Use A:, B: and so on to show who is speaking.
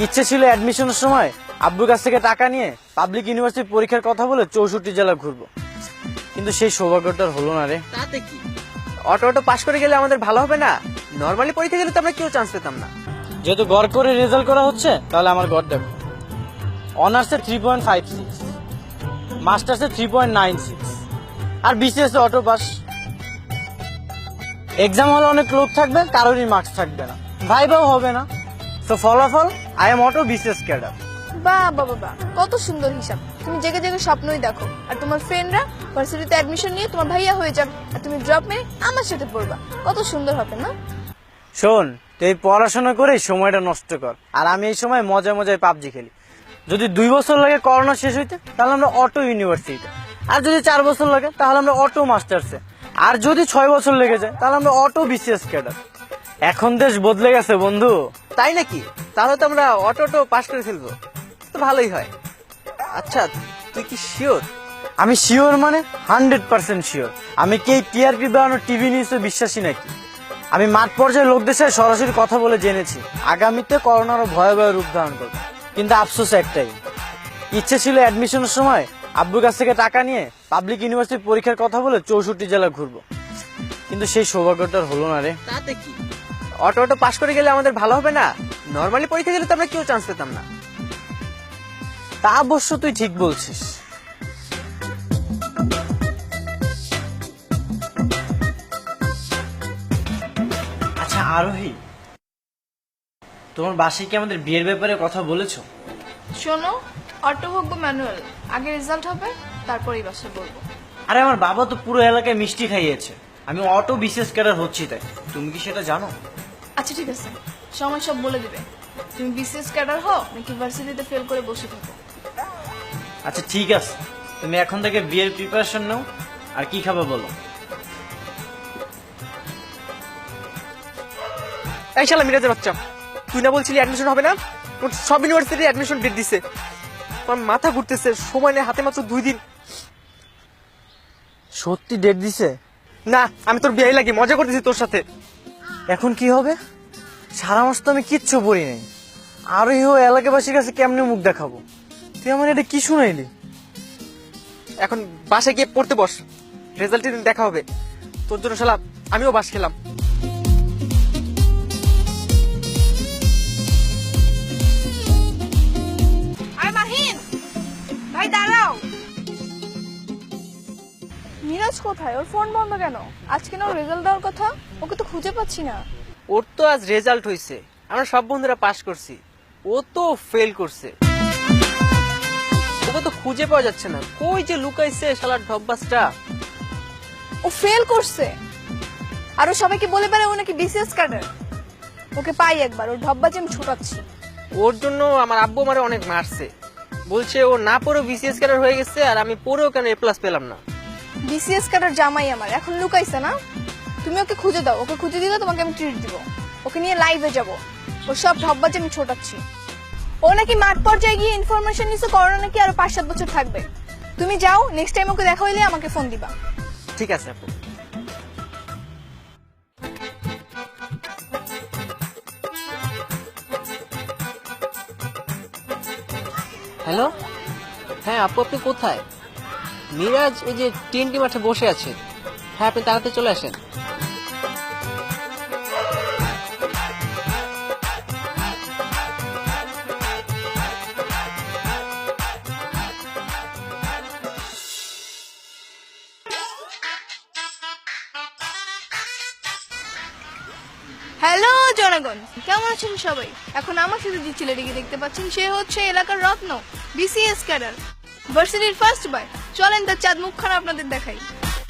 A: ইচ্ছে ছিল অ্যাডমিশনের সময় আব্বুর কাছ থেকে টাকা নিয়ে পাবলিক ইউনিভার্সিটি পরীক্ষার কথা বলে 64 জেলা ঘুরবো, কিন্তু সেই সৌভাগ্যটা হলো না রে।
B: তাতে কি, অটো পাস করে গেলে আমাদের ভালো হবে না? নরমালি পরীক্ষা গেলে তো আমরা কেউ চান্স পেতাম না।
A: যেহেতু গড় করে রেজাল্ট করা হচ্ছে, তাহলে আমার গড় দেখো। অনার্সে 3.56, মাস্টার্সে 3.96, আর বিসিএস অটো পাস। এক্সাম হলে অনেক লোক থাকবে, কারোরই মার্কস থাকবে না, ভাইবাও হবে না। তো ফলাফল I am auto BCS cadre.
C: বাহ বাবা বাহ, কত সুন্দর হিসাব। তুমি জেগে জেগে স্বপ্নই দেখো, আর তোমার ফ্রেন্ডরা ভার্সিটিতে অ্যাডমিশন নিয়ে তোমার ভাইয়া হয়ে যাবে, আর তুমি ড্রপ মেরে আমার সাথে পড়বা। কত সুন্দর হবে না?
A: শোন, তুই এই পড়াশোনা করে সময়টা নষ্ট কর, আর আমি এই সময় মজায় মজায় পাবজি খেলি। যদি 2 বছর লাগে করোনা শেষ হইতে, তাহলে আমরা অটো ইউনিভার্সিটিতে, আর যদি 4 বছর লাগে তাহলে আমরা অটো মাস্টার্সে, আর যদি 6 বছর লেগে যায় তাহলে আমরা অটো বিসিএস ক্যাডার। এখন দেশ বদলে গেছে বন্ধু।
B: তাই নাকি? তাহলে তো আমরা অটো পাস করে ফেলবো, তো ভালোই হয়। আচ্ছা, তুই কি শিওর?
A: আমি শিওর মানে 100% শিওর। আমি কি টিআরপি বানানো টিভি নিউজে বিশ্বাসী নাকি? আমি মাঠ পর্যায়ে লোকদের সাথে সরাসরি কথা বলে জেনেছি আগামীতে করোনারও ভয়াবহ রূপ ধারণ করবে, কিন্তু আফসোস একটাই, ইচ্ছে ছিল অ্যাডমিশনের সময় আব্বুর কাছ থেকে টাকা নিয়ে পাবলিক ইউনিভার্সিটি পরীক্ষার কথা বলে 64 জেলা ঘুরবো, কিন্তু সেই সৌভাগ্যটা হলো না রে।
B: তাতে কি, অটো পাস করে গেলে আমাদের ভালো হবে না? নরমালি পরীক্ষা গেলে তো আমরা কেউ চান্স পেতাম না।
A: তা অবশ্য তুই ঠিক বলছিস। আচ্ছা আরোহী, তোমার বাসায় কি আমাদের বিয়ের ব্যাপারে কথা বলেছো?
C: শোনো, অটো হোক বা ম্যানুয়াল, আগে রেজাল্ট হবে, তারপরেই বাসায় বলবো।
A: আরে আমার বাবা তো পুরো এলাকায় মিষ্টি খাইয়েছে, আমি অটো বিশেষ ক্যাডার হচ্ছি, তাই তুমি কি সেটা জানো?
C: আচ্ছা ঠিক আছে, সময় সব বলে দিবে। তুমি বিসিএস ক্যাডার হও নাকি ভার্সিটিতে ফেল করে বসে থাকো।
A: আচ্ছা ঠিক আছে, তুমি এখন থেকে বিয়ের প্রিপারেশন নাও। আর কি খাবে বলো?
B: এই শালা মিরাজের বাচ্চা, তুই না বলছিলি অ্যাডমিশন হবে না? তোর সব ইউনিভার্সিটি অ্যাডমিশন ডেট দিছে। তোর মাথা ঘুরতেছে, সময় নেই হাতে, মাত্র 2 দিন।
A: সত্যি ডেট দিছে?
B: না, আমি তোর বিয়ে লাগি মজা করতেছি তোর সাথে।
A: এখন কি হবে? সারা মাস তো আমি কিচ্ছু পড়ি নাই, আরোহী ও এলাকাবাসীর কাছে কেমনে মুখ দেখাবো? তুই আমার এটা কি শুনাইলি?
B: এখন বাসায় গিয়ে পড়তে বস, রেজাল্টের দিন দেখা হবে। তোর জন্য শালা আমিও বাস খেলাম।
C: ভাই দাঁড়াও। মিরাজ কোথায়? ওর ফোন বন্ধ কেন? আজকে না ওর রেজাল্ট দেওয়ার কথা, ওকে তো খুঁজে পাচ্ছি না।
B: ওর তো আজ রেজাল্ট হয়েছে, আমরা সব বন্ধুরা পাস করছি, ও তো ফেল করছে। ওকে তো খুঁজে পাওয়া যাচ্ছে না, কই যে লুকাইছে শালার ঢপবাজটা।
C: ও ফেল করছে, আর ও সবাইকে বলে বেড়ায় ও নাকি বিসিএস ক্যাডার। ওকে পাই একবার, ওর ঢপবাজি আমি ছোটাচ্ছি।
B: ওর জন্য আমার আব্বু আমারে অনেক মারছে, বলছে ও না পড়েও বিসিএস ক্যাডার হয়ে গেছে, আর আমি পড়েও কেন এ প্লাস পেলাম না।
C: বিসিএস ক্যাডার জামাই আমার, এখন লুকাইছে না? তুমি ওকে খুঁজে দাও, ওকে খুঁজে দিলে তোমাকে আমি ট্রিট দিব। ওকে নিয়ে লাইভে যাব, ওর সব ঢপবাজি আমি ছোটাচ্ছি। ও নাকি মাঠ পর্যায়ে গিয়ে ইনফরমেশন নিছে করোনা নাকি আরো 5-7 বছর থাকবে। তুমি যাও, নেক্সট টাইম ওকে দেখা হইলে আমাকে ফোন দিবা।
B: ঠিক আছে আপু। হ্যালো, হ্যাঁ আপু, আপনি কোথায়? মিরাজ এই যে টিএনটি মাঠে বসে আছে। হ্যাঁ, আপনি তাড়াতাড়ি চলে আসেন।
C: হ্যালো জনগণ, কেমন আছেন সবাই? এখন আমার সাথে যে ছেলেটিকে দেখতে পাচ্ছেন, সে হচ্ছে এলাকার রত্ন, বিসিএস ক্যাডার, ভার্সিটির ফার্স্ট বয়। চলেন তার চাঁদ মুখখানা আপনাদের দেখাই।